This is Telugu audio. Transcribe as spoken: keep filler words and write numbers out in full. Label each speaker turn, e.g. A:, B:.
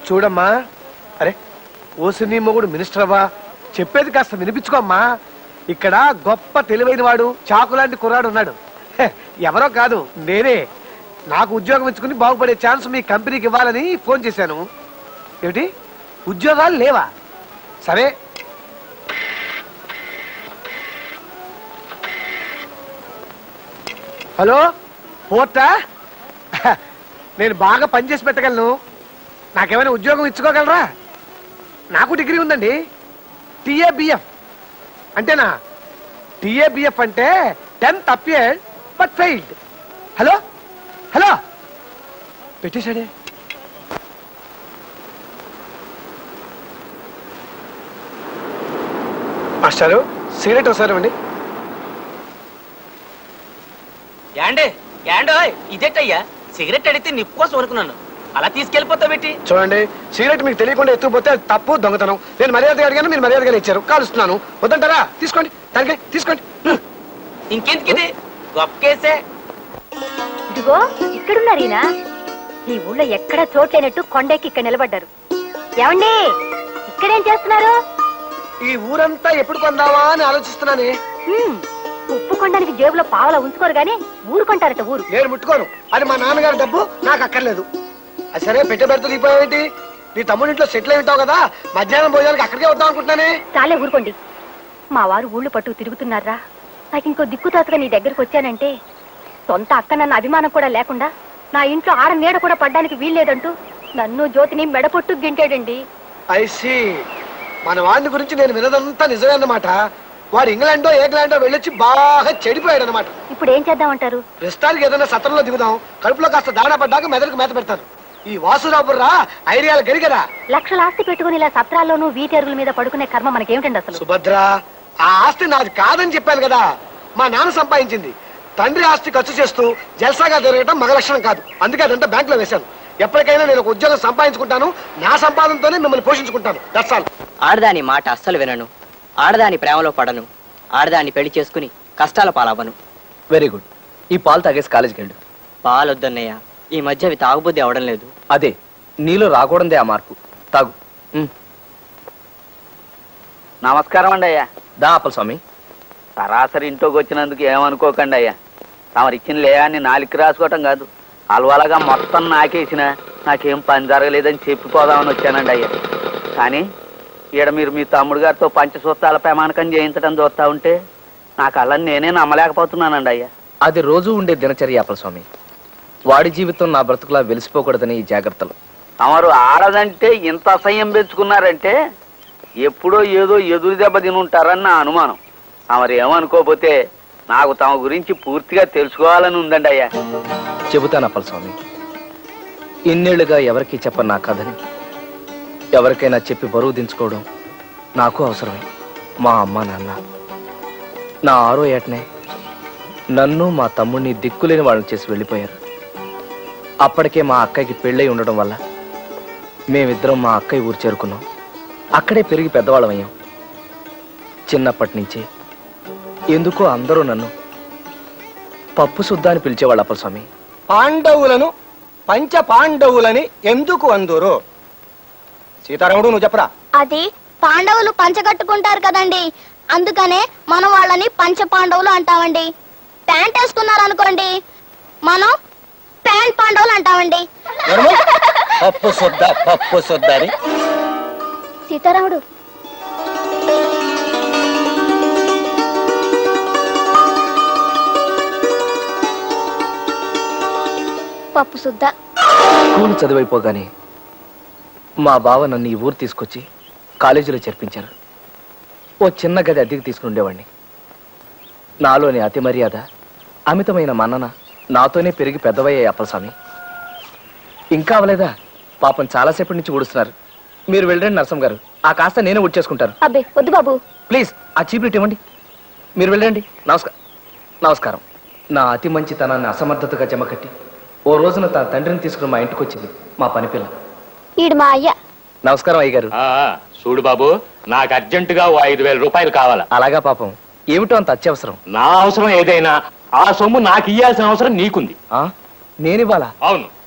A: చూడమ్మా, అరే ఓసి నీ మొగుడు మినిస్టర్ అవ్వా, చెప్పేది కాస్త వినిపించుకోమ్మా. ఇక్కడ గొప్ప తెలివైన వాడు చాకులాంటి కుర్రాడు ఉన్నాడు. హె, ఎవరో కాదు నేనే. నాకు ఉద్యోగం ఇచ్చుకుని బాగుపడే ఛాన్స్ మీ కంపెనీకి ఇవ్వాలని ఫోన్ చేశాను. ఏమిటి ఉద్యోగాలు లేవా? సరే హలో పోర్టా, నేను బాగా పనిచేసి పెట్టగలను. నాకేమైనా ఉద్యోగం ఇచ్చుకోగలరా? నాకు డిగ్రీ ఉందండి. టిఏబిఎఫ్ అంటేనా? టిఏబిఎఫ్ అంటే tenth appeared but failed. Hello hello పెట్టేశాడే. మాస్టారు సిగరెట్ ఒకసారి ఇవ్వండి.
B: యాండే యాండో ఇదేటయ్యా, సిగరెట్ అడిగితే నిప్పు కోసం అనుకున్నాను, అలా తీసుకెళ్ళిపోతా పెట్టి.
A: చూడండి, సిగరెట్ మీకు తెలియకుండా ఎత్తుకుపోతే అది తప్పు, దొంగతనం. నేను మర్యాదగా అడిగాను, మీరు మర్యాదగా ఇచ్చారు. కాలుస్తున్నాను. వద్దంటారా? తీసుకోండి, దానికి తీసుకోండి.
B: ఇంకెందుకు ఇది గొప్ప కేసే.
C: ఇదిగో ఇక్కడున్నారు ఈయన. ఈ ఊళ్ళో ఎక్కడ చోట్లేనట్టు కొండెక్కి ఇక్కడ నిలబడ్డారు. ఏమండి ఇక్కడేం చేస్తున్నారు?
A: ఈ ఊరంతా ఎప్పుడు కొందావా అని ఆలోచిస్తున్నానే.
C: హ్మ్, ఉప్పు కొండానికి జేబులో పావలా ఉంచుకోరు గాని ఊరు కొంటారట. ఊరు
A: నేను ముట్టుకోను. అది మా నాన్నగారి డబ్బు, నాకు అక్కర్లేదు. అది సరే, పెట్టే పెడుతూ దిగిపోయావేంటి? నీ తమ్ముడింట్లో సెటిల్ అయి ఉంటావు కదా, మధ్యాహ్నం భోజనానికి అక్కడికే వద్దాం అనుకుంటున్నానే.
C: చాలే ఊరుకోండి. మా వారు ఊళ్ళు పట్టు తిరుగుతున్నారా? నాకు ఇంకో దిక్కుతాతగా నీ దగ్గరకు వచ్చానంటే సొంత అక్క నన్న అభిమానం కూడా లేకుండా నా ఇంట్లో ఆడ నీడ కూడా పడ్డానికి వీల్లేదంటూ నన్ను జ్యోతిని మెడపొట్టు గింటాడండి.
A: ఐసి మన వాడిని గురించి నేను వినదంతా నిజమే అన్నమాట. వాడు ఇంగ్లాండో ఇంగ్లాండో వెళ్ళొచ్చి బాగా చెడిపోయాడు అనమాట.
C: ఇప్పుడు ఏం చేద్దామంటారు?
A: ప్రస్తుతానికి ఏదైనా సత్రంలో దిగుదాం. కడుపులో కాస్త దాడా పడ్డాక మెదడుకు మేత పెడతాను. ఈ వాసురాబుర్రా ఐడియాలు గరిగరా.
C: లక్షల ఆస్తి పెట్టుకుని ఇలా సత్రాల్లోనూ వీటి అరుగుల మీద పడుకునే కర్మ మనకేమిటండి అసలు?
A: సుభద్ర, ఆ ఆస్తి నాది కాదని చెప్పాను కదా. మా నాన్న సంపాదించింది. తండ్రి ఆస్తి ఖర్చు చేస్తూ జల్సాగా తిరగటం మగ లక్షణం కాదు. అందుకే అదంతా బ్యాంక్ లో వేశాను. ఎప్పటికైనా నేను ఒక ఉద్యోగం సంపాదించుకుంటాను. నా సంపాదనతోనే మిమ్మల్ని పోషించుకుంటాను. That's all.
B: ఆడదాని మాట అస్సలు వినను, ఆడదాని ప్రేమలో పడను, ఆడదాన్ని పెళ్లి చేసుకుని కష్టాల పాలవ్వను.
D: Very good. ఈ పాలు తాగేసి కాలేజీకి వెళ్ళు.
B: పాలొద్దన్నయ్య, ఈ మధ్య అవి తాగుబుద్ధి అవడం లేదు.
D: అదే నీలో రాకూడదే ఆ మార్పు. తాగు.
E: నమస్కారం అండి అయ్యా.
D: దా అప్పల స్వామి.
E: సరాసరి ఇంట్లోకి వచ్చినందుకు ఏమనుకోకండి అయ్యా. తమరు ఇచ్చిన లేయాన్ని నాలుగు రాసుకోవటం కాదు, అలవలగా మొత్తం నాకేసిన నాకేం పని జరగలేదని చెప్పిపోదామని వచ్చానండి అయ్యా. కానీ ఈడ మీరు మీ తమ్ముడు గారితో పంచసూత్రాల ప్రమాణకం చేయించడం చూస్తా ఉంటే నాకు అలా నేనే నమ్మలేకపోతున్నానండి అయ్యా.
D: అది రోజు ఉండే దినచర్య అప్పల స్వామి. వాడి జీవితం నా బ్రతుకులా వెలిసిపోకూడదని ఈ జాగ్రత్తలు.
E: తమరు ఆడదంటే ఇంత అసహ్యం పెంచుకున్నారంటే ఎప్పుడో ఏదో ఎదురు దెబ్బ తినుంటారని నా అనుమానం. తమరు ఏమనుకోపోతే నాకు తమ గురించి పూర్తిగా తెలుసుకోవాలని ఉందండి అయ్యా.
D: చెబుతాను అప్పల స్వామి. ఇన్నేళ్లుగా ఎవరికి చెప్పను నా కథని ఎవరికైనా చెప్పి బరువు దించుకోవడం నాకు అవసరమే. మా అమ్మ నాన్న నా ఆరో ఏటనే నన్ను మా తమ్ముడిని దిక్కులేని వాళ్ళని చేసి వెళ్ళిపోయారు. అప్పటికే మా అక్కయ్యకి పెళ్ళై ఉండడం వల్ల మేమిద్దరం మా అక్కయ్య ఊరు చేరుకున్నాం. అక్కడే పెరిగి పెద్దవాళ్ళం అయ్యాం. చిన్నప్పటి నుంచే ఎందుకో అందరూ నన్ను పప్పు శుద్ధ అని పిలిచేవాళ్ళు అప్పల స్వామి.
F: పాండవులను పంచ పాండవులని ఎందుకు అందురు? సీతారాముడు నువ్వు చెప్పరా.
G: అది పాండవులు పంచగట్టుకుంటారు కదండి, అందుకనే మనం వాళ్ళని పంచ పాండవులు అంటామండి. ప్యాంట్ వేసుకున్నారు అనుకోండి, మనం ప్యాంట్ పాండవులు అంటామండి.
F: పప్పు శుద్ధ పప్పు శుద్ధ అని.
G: సీతారాముడు పప్పు శుద్ధ.
D: స్కూల్ చదివైపోగానే మా బావ నన్ను ఈ ఊరు తీసుకొచ్చి కాలేజీలో చేర్పించారు. ఓ చిన్న గది అద్దెకి తీసుకుని ఉండేవాడిని. నాలోని అతి మర్యాద, అమితమైన మన్నన నాతోనే పెరిగి పెద్దవయ్యాయి అప్పల స్వామి. ఇంకా అవలేదా? పాపం చాలాసేపటి నుంచి ఊడుస్తున్నారు. మీరు వెళ్ళండి నరసం గారు, ఆ కాస్త నేనే ఊడ్చేసుకుంటాను.
C: అబ్బే వద్దు బాబు.
D: ప్లీజ్ ఆ చీప్లెట్ ఇవ్వండి. మీరు వెళ్ళండి. నమస్కారం. నమస్కారం. నా అతి మంచితనాన్ని అసమర్థతగా జమకట్టి ఓ రోజున తన తండ్రిని తీసుకుని మా ఇంటికి వచ్చింది మా పని పిల్ల.
G: ఈడు మా అయ్య.
D: నమస్కారం అయ్య గారు.
H: చూడు బాబు, నాకు అర్జెంటుగా ఓ ఐదు వేల రూపాయలు కావాలా.
D: అలాగా పాపం, ఏమిటో అంత అత్యవసరం.
H: నా అవసరం ఏదైనా ఆ సొమ్ము నాకు ఇయ్యాల్సిన అవసరం నీకుంది.
D: నేనివ్వాలా?
H: అవును.